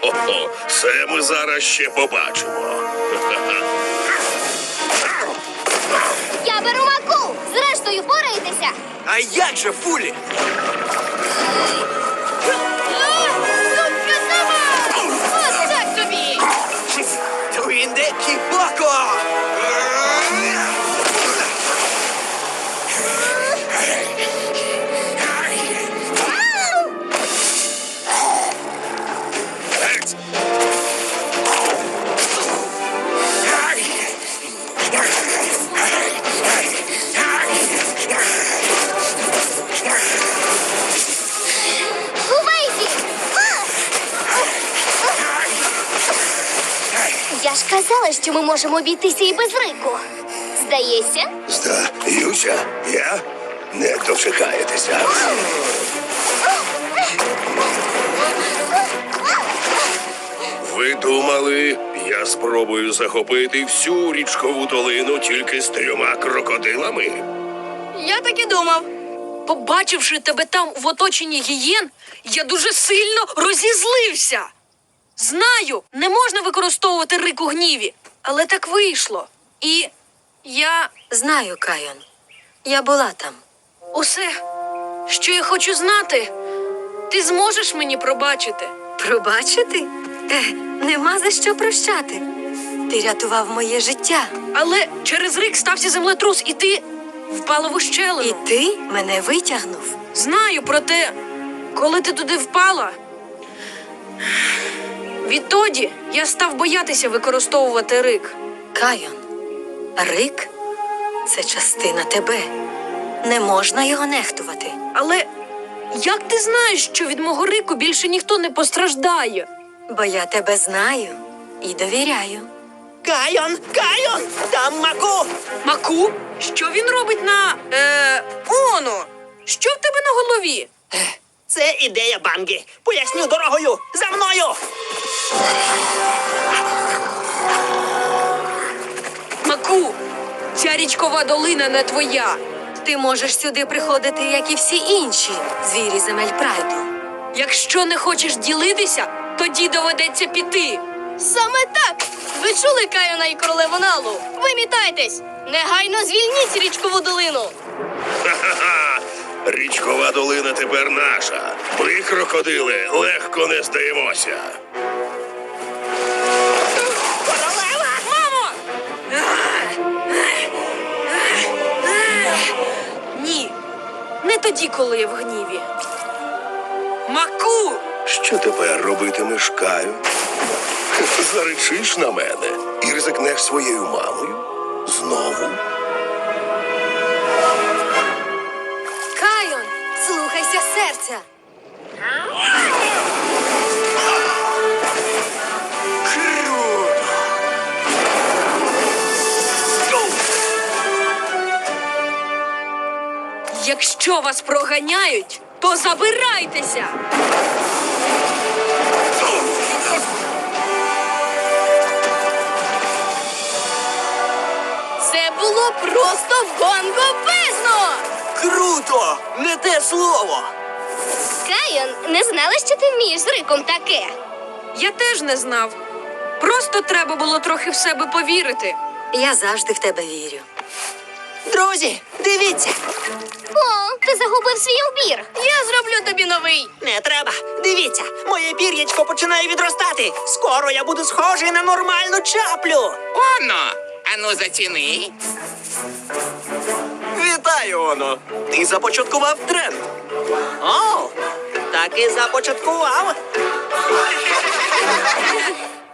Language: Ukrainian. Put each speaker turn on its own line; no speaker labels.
Хо-хо-хо. Це ми зараз ще побачимо.
Я беру Маку! Зрештою, впораєтеся!
А як же, Фулі?
Ось так тобі!
Твінде Кібоко!
Геть!
Увейзі! Я ж казала, що ми можемо обійтися і без Рику. Здається?
Здаюся, я не дочекаєтеся. Ви думали, я спробую захопити всю річкову долину тільки з 3 крокодилами?
Я так і думав. Побачивши тебе там в оточенні гієн, я дуже сильно розізлився. Знаю, не можна використовувати Рик у гніві, але так вийшло. І я
Знаю, Кайон. Я була там.
усе, що я хочу знати, ти зможеш мені пробачити.
Пробачити? Нема за що прощати. Ти рятував моє життя.
Але через Рик стався землетрус, і ти впала в
І
ущелину.
ти мене витягнув.
Знаю, проте, коли ти туди впала, відтоді я став боятися використовувати Рик.
Кайон, Рик – це частина тебе. Не можна його нехтувати.
Але як ти знаєш, що від мого Рику більше ніхто не постраждає?
Бо я тебе знаю і довіряю.
Кайон! Кайон! Там Маку!
Маку? Що він робить на... Оно? Що в тебе на голові?
Це ідея Банги. Поясню дорогою. За мною!
Маку, ця річкова долина не твоя.
Ти можеш сюди приходити, як і всі інші звірі земель прайду.
Якщо не хочеш ділитися, тоді доведеться піти.
Саме так! Ви чули Кайона і королеву Налу? Вимітайтесь! Негайно звільніть річкову долину!
Ха-ха-ха! Річкова долина тепер наша. Ми, крокодили, легко не здаємося.
Королева!
Мамо! Ні, не тоді, коли я в гніві. Маку!
Що тепер робитимеш, Каю? Заречиш на мене і ризикнеш своєю мамою? Знову?
Кайон, слухайся серця.
Якщо вас проганяють, то забирайтеся!
Це було просто бомбезно!
Круто! Не те слово!
Кайон, не знала, що ти вмієш з Риком таке.
Я теж не знав. Просто треба було трохи в себе повірити.
Я завжди в тебе вірю.
Друзі, дивіться!
О, ти загубив свій убір. Я зроблю тобі новий.
Не треба. Дивіться, моє пір'ячко починає відростати. Скоро я буду схожий на нормальну чаплю.
Оно, ану заціни.
Вітаю, Оно. Ти започаткував тренд. О, так і започаткував.